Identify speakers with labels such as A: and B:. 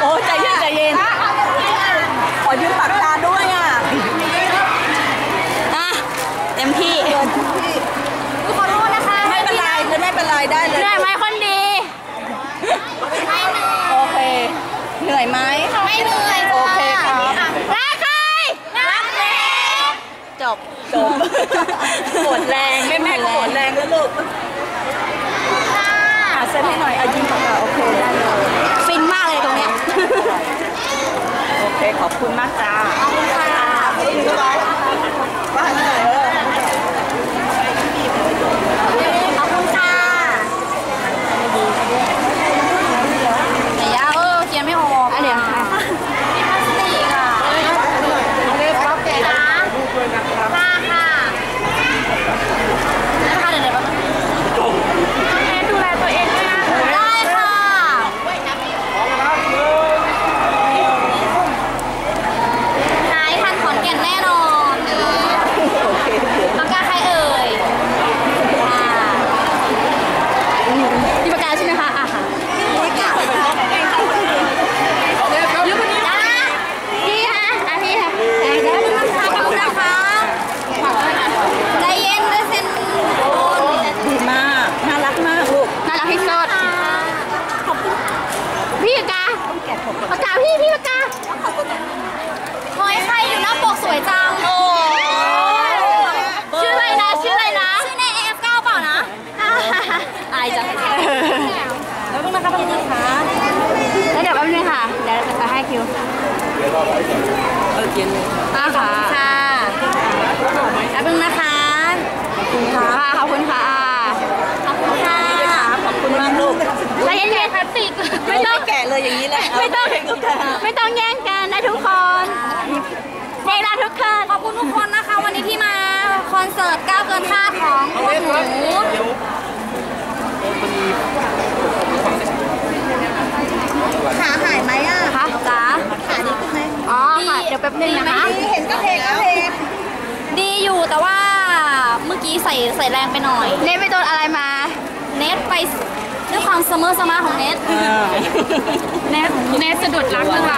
A: อ้ใจเย็นใจเย็นขอยืมปากกาด้วยอ่ะเต็มที่
B: ขอโทษนะคะ
A: ไม่เป็นไรไม่เป็นไรได้เลย
B: เหนื่อยไหมคนดีไม่เหนื่อย
A: โอเคเหนื่อยไหม
B: ไม่เหนื่อย
A: โอเคครับ
B: รักใครรักแม่
A: จบปวดแรงแม่ปวดแรงแล้วลูกเซ็นให้หน่อยยิ้มค่ะโอเคได้เลย
B: ฟินมากเลยตรงเนี้ย
A: โอเคขอบคุณมากจ้า
B: ขอบคุณค่ะ
A: บ้านไหน
B: ขอบคุณค่ะแต่ยาเขียนไม่ออกเดี๋ยวมีพลาสติกอ่ะค่ะนะคะเดี๋ยวแม่ดูแลตัวเองด้วยนะได้ค่ะหายทันขอนแก่นแน่นอนปากกาใครเอ่ยที่ปากกาใช่ไหมคะอ่ะค่ะยุคนี้นะพี่ฮะพี่ค่ะได้เลยนะคะขอบคุณนะคะใจเย็นด้วยเซ็น
A: ดีมากน่ารักมากลูก
B: น่ารักที่สุดขอบคุณพี่ปากกาปากกาพี่ปากกาหอยใครอยู่หน้าปกสวยจังโอ้ชื่ออะไรนะชื่อใน AF9 เปล่านะอายจังแล้วต้องนะคะพี่นะคะแล้วเดี๋ยวแป๊บนึงค่ะเดี๋ยวจะให้คิว
A: เย็นเลย
B: ค่ะแป๊บนึงนะคะขอบคุณค่ะขอบคุณค่ะ
A: ขอบคุณมากลูก
B: ใจเย็นๆพลาสติกไม่ต้อง
A: แกะเลยอย่างนี้แหละ
B: ไม่ต้องแย่งกันนะทุกคนเด็กรักทุกคนขอบคุณทุกคนนะคะวันนี้ที่มาคอนเสิร์ตก้าวเกินคาดของพวกหนูขาหายไหมอ่ะคะจ๋าขาดีขึ้นไหมอ๋อค่ะเดี๋ยวแป๊บนึงนะคะ
A: เห็นก็เพลง
B: ดีอยู่แต่ว่าเมื่อกี้ใส่แรงไปหน่อยเน็ตไปโดนอะไรมาเน็ตไปด้วยความเสมอของเน็ตสะดุดรักพวกเรา